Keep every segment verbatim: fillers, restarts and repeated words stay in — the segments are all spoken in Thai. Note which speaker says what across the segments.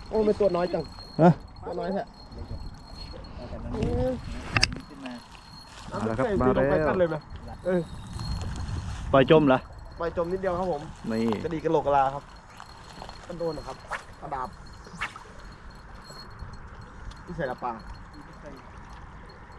Speaker 1: โอ้เป็นตัวน้อยจัง
Speaker 2: ฮะ
Speaker 1: ตัวน้อยแท้
Speaker 2: มาแล้วครับมาแล้ว
Speaker 1: ไปกันเลยไหมเออ
Speaker 2: ปล่อยจมเหรอ
Speaker 1: ไปจมนิดเดียวครับผม
Speaker 2: นี่
Speaker 1: กระดีกระโหลกกระลาครับกันโดนนะครับกระดาบที่ใส่ละปลาโอ้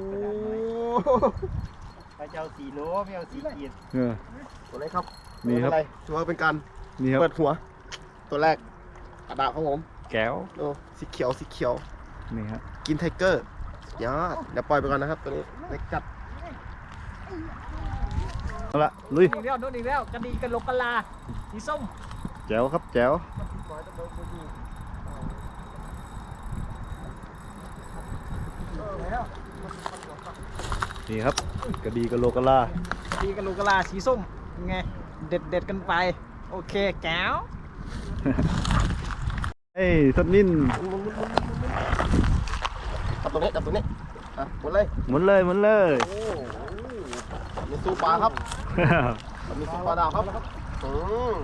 Speaker 3: ไปเจ้าสี่โลไม่เอาสี่ขีด
Speaker 2: เออ
Speaker 1: ตัวนี้ครับ
Speaker 2: นี่ครับ
Speaker 1: อะไรถือว่าเป็นการ
Speaker 2: นี่ครับ
Speaker 1: เปิดหัว ตัวแรกกระดาบครับผม
Speaker 2: แก้ว
Speaker 1: โอ้สีเขียวสีเขียว
Speaker 2: นี่ฮะ
Speaker 1: กินไทเกอร์ยอดเดี๋ยวปล่อยไปก่อนนะครับตัวนี้เล็กจัด
Speaker 2: เอาละลุย
Speaker 3: อีกแล้วโดนอีกแล้วกระดีกระโหลกกะลาสีส้ม
Speaker 2: แจ๋วครับแจ๋วนี่ครับกระดีกระโหลกกะลาก
Speaker 3: ระดีกระโหลกกะลาสีส้มยังไงเด็ดเด็ดกันไปโอเคแก้ว
Speaker 2: เอ้ยสัตว์นิ่น
Speaker 1: จับตัวนี้จับตัวนี้อ่ะหมดเลย
Speaker 2: หมุนเลยหมุนเลย
Speaker 1: โอ้มีสู้ปลาครับมีสู้ปลาดาวครับอืม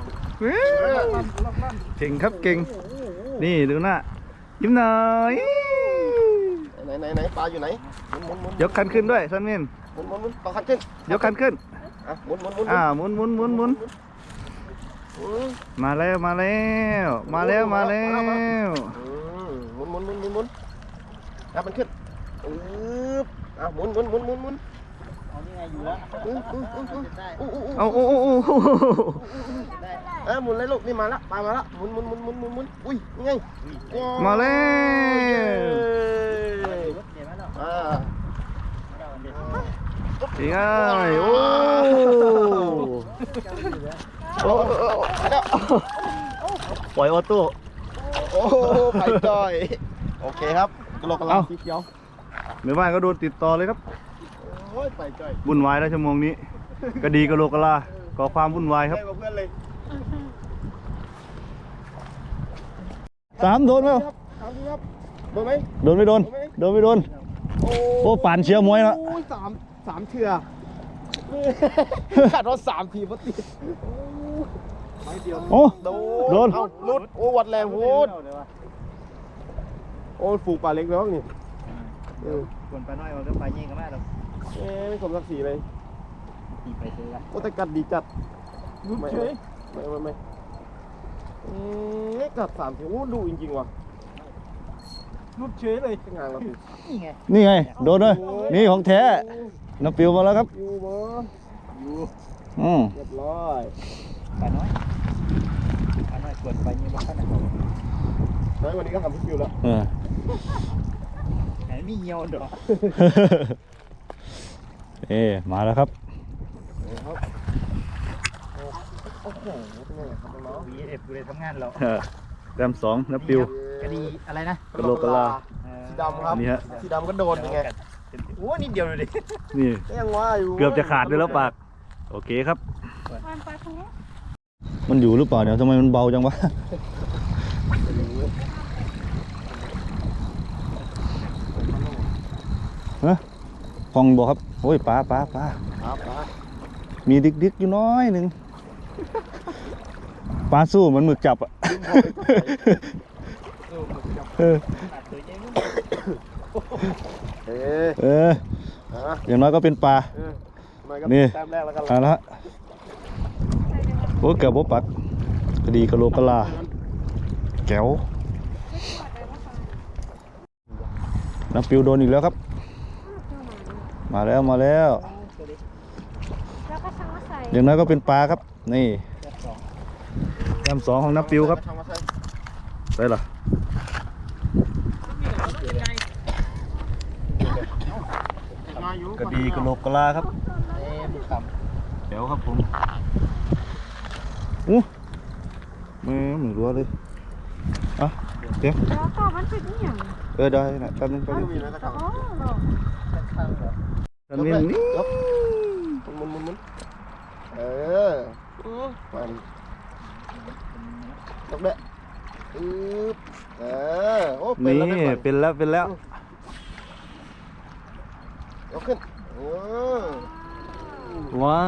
Speaker 2: เก่งครับเก่งนี่ดูหน้ายิ้มหน่อย
Speaker 1: ไหนไหนไหนปลาอยู่ไหนหมุนหมุนหมุน
Speaker 2: ยกคันขึ้นด้วยสัตว์นิ่น
Speaker 1: หมุนหมุนหมุนต่อคันขึ้น
Speaker 2: ยกคันขึ้น
Speaker 1: อ่ะหมุนหมุนหมุน
Speaker 2: อ่าหมุนหมุนหมุนหมุน
Speaker 1: อืม
Speaker 2: มาแล้วมาแล้วมาแล้วมาแล้ว
Speaker 1: อืมหมุนหมุนหมุนหมุนหมุนแล้วมันขึ้นอืบอ่ะหมุนหมุนหมุนหมุนหมุน
Speaker 3: เอานี่ไงอยู่แล้ว
Speaker 1: อืออืออืออือ
Speaker 3: ได้
Speaker 1: อู้อู้อู้
Speaker 2: เอาโอ้โอ้โอ้
Speaker 3: ได้
Speaker 1: เอ้ยหมุนเลยลูกนี่มาละปลามาละหมุนหมุนหมุนหมุนหมุนหมุนอุ้ยนี่ไง
Speaker 2: มาแล้ว
Speaker 1: เย้
Speaker 3: รถเดี๋ยวมาแล้ว
Speaker 1: อ่า
Speaker 3: เดี๋ยว
Speaker 2: นี่ไงโอ้
Speaker 1: โอ้โหไปแล้ว
Speaker 2: ปล่อยออโต้
Speaker 1: โอ้โหไปจอยโอเคครับกระโหลกกระลาสีเขียว
Speaker 2: ในบ้านก็โดนติดต่อเลยครับ
Speaker 1: โอ้ยไปจอย
Speaker 2: วุ่นวายแล้วชั่วโมงนี้ก็ดีกระโหลกกะลาก่อความวุ่นวายครับ
Speaker 1: ให้กับเพื่อนเลย
Speaker 2: สามโดนไหม
Speaker 1: ครับถามดีครับโดนไหม
Speaker 2: โดนไม่โดนโดนไม่โดน
Speaker 1: โอ้
Speaker 2: โอ้ป่านเชียร์มวยละ
Speaker 1: โอ้ยสามสามเถื่อขาดรถสามทีพอดีไม่เดียว
Speaker 2: โอ้
Speaker 1: โด
Speaker 2: โดน
Speaker 1: เอาลุดโอ้วัดแรงโหดโอ้ฝูงปลาเล็กแล้วนี่เออ
Speaker 3: คนไปน้อยมันก็ไปยิงกันมากหรอก
Speaker 1: เอ้ไม่สมศักดิ์ศรีเลย
Speaker 3: ตีไปซื้อละ
Speaker 1: โอ้แต่กัดดีจัดลุดเฉยไม่ไม่ไม่อืมกัดสามทีโอ้ดูจริงๆว่ะ
Speaker 3: รุดเฉยเลย
Speaker 1: งานเราสิ
Speaker 3: นี่ไง
Speaker 2: นี่ไงโดนเลยนี่ของแท้น้ำปิวมาแล้วครับ
Speaker 1: อยู่บ่
Speaker 3: อยู่
Speaker 2: อืม
Speaker 1: เรียบร้อย
Speaker 3: ไปน้อยไปน้อยกดไปยิงบ้านนะ
Speaker 1: น้อยวันนี้ก็ทำพิคิวแล้ว
Speaker 2: เออ
Speaker 3: ไหนมีเหี่ยวดอก
Speaker 2: เอ๊มาแล้วครับ
Speaker 1: ครับโอ้โหเป็นไงครับน้อง
Speaker 3: วีเอฟกูเลยทำงานเรา
Speaker 2: เออแต้มสองน้ำปิว
Speaker 3: กระดีอะไรนะ
Speaker 1: ๆ
Speaker 2: กะโหลกกะลา
Speaker 1: สีดำครับ
Speaker 2: นี่ฮะ
Speaker 1: สีดำก็โดนยังไง
Speaker 3: โอ้นิดเดียวเลยดิ
Speaker 2: นี่
Speaker 1: ก็ยังว่าอยู่
Speaker 2: เกือบจะขาดด้วยแล้วปากโอเคครับ
Speaker 4: วันไปทางนี้
Speaker 2: มันอยู่หรือเปล่าเนี่ยทำไมมันเบาจังวะฮะพองบอกครับโอ้ยปลาปลาปลา
Speaker 1: ครับครับ
Speaker 2: มีดิกดิกอยู่น้อยหนึ่งปลาสู้เหมือนหมึกจับอ่ะเออ
Speaker 1: เอ๊ะ
Speaker 2: เออ
Speaker 1: อ่ะ
Speaker 2: อย่างน้อยก็เป็นปลา
Speaker 1: เออมาก็
Speaker 2: นี่
Speaker 1: แต้มแรกแล้วกัน
Speaker 2: เอาละฮะโอ้เกือบบ่ปักกระดีกระโหลกกะลาแก้วน้ำปิวโดนอีกแล้วครับ มาแล้วมาแล้ว
Speaker 4: แล้วก็ช่างมาใส่
Speaker 2: อย่างน้อยก็เป็นปลาครับนี่แต้มสองของน้ำปิวครับ
Speaker 1: ทำมาใส่
Speaker 2: ใช่เหรอ
Speaker 1: มาอยู่
Speaker 2: กระดีกระโหลกกะลาครับ
Speaker 3: เอ๊ะดูค
Speaker 2: แก้วครับผมอู้มือมือรัวเลยอ่ะเดี๋ยว
Speaker 4: แล้วก็มันเป็นอหย่าง
Speaker 2: เออได้นะแป๊บนึงแป๊บนึง
Speaker 1: มีไหมกระชัง
Speaker 4: อ๋อเหรอ
Speaker 3: ำข้างเหรอ
Speaker 2: ตอนนี้นี่
Speaker 1: ยกหมุนหมุนหมุนเออมันยกเด้อึ๊บเออโอ้เป็น
Speaker 2: นี่
Speaker 1: แล้วเป็นแล้ว
Speaker 2: เป็นแล้วเป็นแล้ว
Speaker 1: ยกขึ้นเออ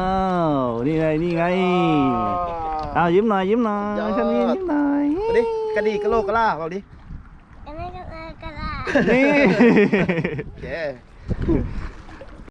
Speaker 2: ว้าวนี่ไงนี่ไงอ้าวยิ้มหน่อยยิ้มหน่อยฉันนี่ยิ้มหน่อย
Speaker 1: มาดิกระดีกระโลกกระล่าเอาดิ
Speaker 4: Ini kan kala.
Speaker 2: นี่
Speaker 1: โอเค